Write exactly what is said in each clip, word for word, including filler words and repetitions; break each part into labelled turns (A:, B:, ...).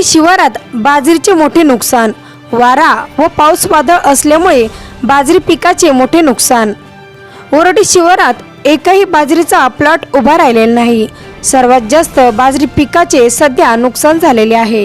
A: ओरडी शिवारात बाजरीचे मोठे नुकसान, वारा व पाऊस वादळ असल्यामुळे बाजरी पिकाचे मोठे नुकसान। ओरडी शिवारात एकही बाजरीचा प्लॉट उभा राहिलेला नाही। सर्वात जास्त बाजरी पिकाचे सध्या नुकसान झालेले आहे।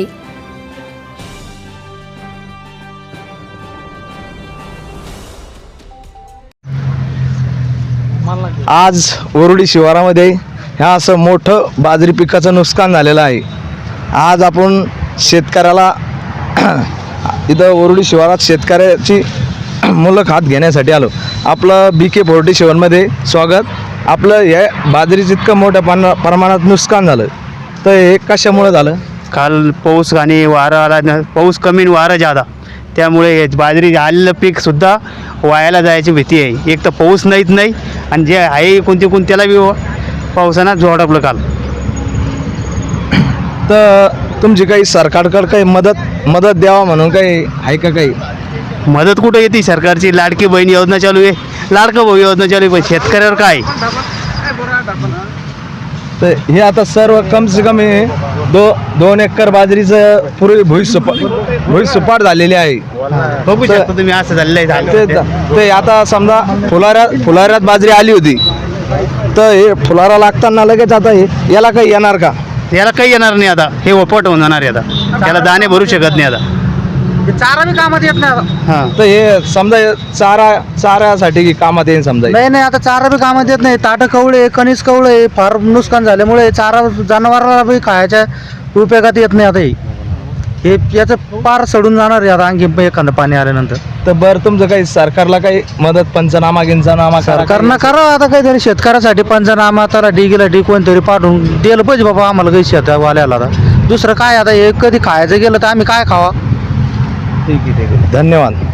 B: आज ओरडी शिवारामध्ये ह्या असं मोठं बाजरी पिकाचं नुकसान झालेलं आहे। आज आपण शेतकऱ्याला इथं ओरडी शिवारात शेतकऱ्याची मुलाखत घेण्यासाठी आलो। आपलं बी के फोर्टी सेवनमध्ये स्वागत। आपलं हे बाजरीचं इतकं मोठ्या पान प्रमाणात नुकसान झालं तर हे कशामुळे झालं?
C: काल पाऊस आणि वारा आला न, पाऊस कमी आणि वारा जादा, त्यामुळे हे बाजरी आलेलं पीकसुद्धा वायाला जायची भीती आहे। एक तर पाऊस नाहीत नाही आणि जे आहे कोणते कोण त्याला बी पावसानं झोडपलं काल।
B: तर तुमची काही सरकारकडे काही मदत मदत द्यावा म्हणून काही आहे का? काही
C: मदत कुठं येते? सरकारची लाडकी बहीण योजना चालू आहे, लाडका भाऊ योजना चालू आहे, पण शेतकऱ्यावर काय?
B: तर हे आता सर्व कम से कमी दो दोन एकर बाजरीचं पूर्वी भुईसुपा भुईसुपाट झालेली आहे।
C: बघू शकता तुम्ही, असं झालेलं आहे।
B: ते ते आता समजा फुलाऱ्या फुलाऱ्यात बाजरी आली होती तर हे फुलारा लागताना लगेच आता हे याला काही येणार का?
C: याला काही येणार नाही आता, हे वपट होऊन जाणार आहे आता, त्याला दाणे भरू शकत नाही आता,
D: चारा बी कामात येत नाही आता।
C: हां
B: तर हे समजा चारा चाऱ्यासाठी कामात येईल समजा।
D: नाही नाही आता चारा बी कामात येत नाही। ताटं कवळे, कणीस कवळे फार नुकसान झाल्यामुळे चारा जनावराला बी खायच्या उपयोगात येत नाही आता। हे हे याचं पार सडून जाणार आहे आता आणखी एखादं पाणी आल्यानंतर।
B: तर बरं तुमचं काही सरकारला काही मदत पंचनामा गिंचनामा करा?
D: सरकारनं करावं आता काहीतरी शेतकऱ्यासाठी पंचनामा, त्याला डी गेला डी कोणतरी पाठवून दिलं पाहिजे बाबा आम्हाला काही शेतवाल्याला। आता दुसरं काय आता, हे कधी खायचं गेलं तर आम्ही काय खावा?
B: ठीक आहे ठीक आहे, धन्यवाद।